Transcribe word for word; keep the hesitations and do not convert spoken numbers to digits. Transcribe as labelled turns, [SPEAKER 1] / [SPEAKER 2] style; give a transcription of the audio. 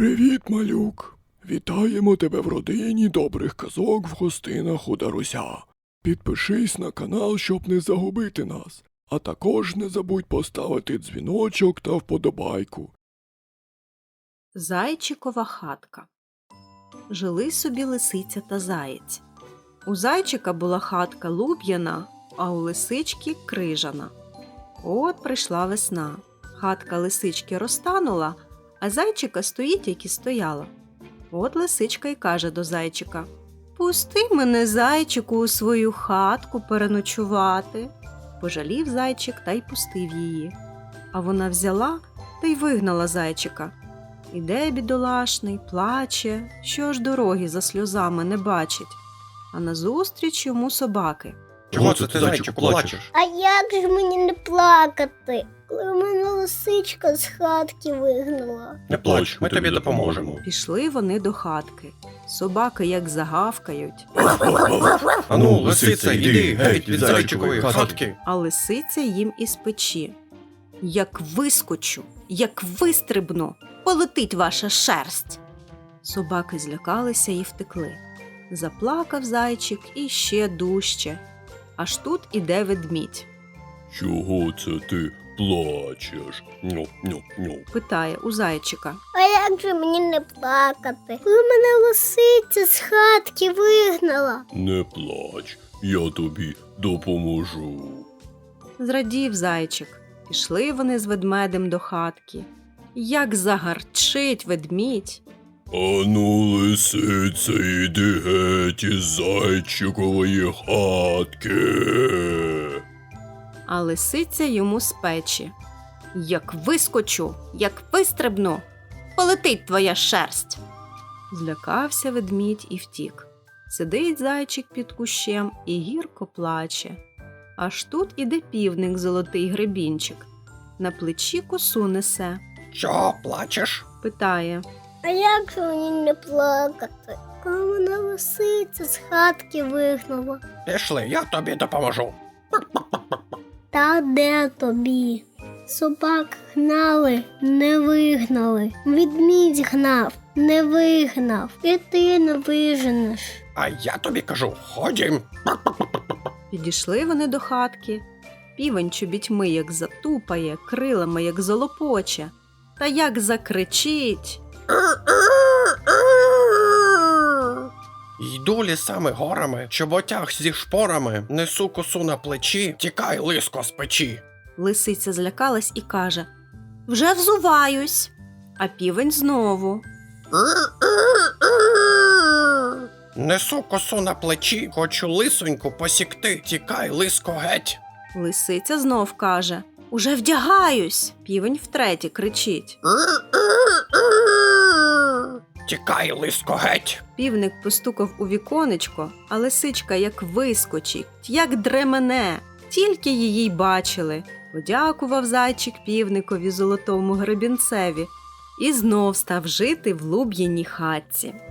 [SPEAKER 1] Привіт, малюк! Вітаємо тебе в родині добрих казок в гостинах у Даруся. Підпишись на канал, щоб не загубити нас, а також не забудь поставити дзвіночок та вподобайку.
[SPEAKER 2] Зайчикова хатка. Жили собі лисиця та заєць. У зайчика була хатка луб'яна, а у лисички крижана. От прийшла весна. Хатка лисички розтанула, а зайчика стоїть, як і стояла. От лисичка й каже до зайчика: «Пусти мене, зайчику, у свою хатку переночувати». Пожалів зайчик та й пустив її. А вона взяла та й вигнала зайчика. Іде бідолашний, плаче, що ж дороги за сльозами не бачить. А назустріч йому собаки.
[SPEAKER 3] Чого це ти, зайчику, плачеш?
[SPEAKER 4] А як же мені не плакати, коли мене лисичка з хатки вигнала?
[SPEAKER 3] Не плач, ми тобі допоможемо.
[SPEAKER 2] Пішли вони до хатки. Собаки як загавкають,
[SPEAKER 3] Ану, лисиця, іди геть від зайчикової хатки.
[SPEAKER 2] а лисиця їм із печі. Як вискочу, як вистрибну, полетить ваша шерсть. Собаки злякалися і втекли. Заплакав зайчик і ще дужче. Аж тут іде ведмідь.
[SPEAKER 1] Чого це ти плачеш? Ню, ню, ню.
[SPEAKER 2] Питає у зайчика.
[SPEAKER 4] А як же мені не плакати, коли мене лисиця з хатки вигнала?
[SPEAKER 1] Не плач, я тобі допоможу.
[SPEAKER 2] Зрадів зайчик. Пішли вони з ведмедем до хатки. Як загарчить ведмідь.
[SPEAKER 1] Ану, лисиця, іди геть із зайчикової хатки.
[SPEAKER 2] А лисиця йому з печі. Як вискочу, як вистрибну, полетить твоя шерсть. Злякався ведмідь і втік. Сидить зайчик під кущем і гірко плаче. Аж тут іде півник золотий гребінчик. На плечі косу несе.
[SPEAKER 3] Чого плачеш?
[SPEAKER 2] Питає.
[SPEAKER 4] А як же мені не плакати, коли мене лисиця з хатки вигнала?
[SPEAKER 3] Пішли, я тобі допоможу.
[SPEAKER 4] Та де тобі? Собак гнали, не вигнали. Ведмідь гнав, не вигнав. І ти не виженеш.
[SPEAKER 3] А я тобі кажу, ходім.
[SPEAKER 2] Підійшли вони до хатки. Півень чобітьми як затупає, крилами як золопоче. Та як закричить.
[SPEAKER 3] Йду лісами горами, чоботях зі шпорами, несу косу на плечі, тікай, лиско, з печі.
[SPEAKER 2] Лисиця злякалась і каже: «Вже взуваюсь». А півень знову.
[SPEAKER 3] Несу косу на плечі, хочу лисоньку посікти, тікай, лиско, геть.
[SPEAKER 2] Лисиця знов каже: «Уже вдягаюсь». Півень втретє кричить.
[SPEAKER 3] Тікай, лиско, геть.
[SPEAKER 2] Півник постукав у віконечко, а лисичка як вискочить, як дремене. Тільки її й бачили. Подякував зайчик півникові золотому гребінцеві і знов став жити в луб'яній хатці.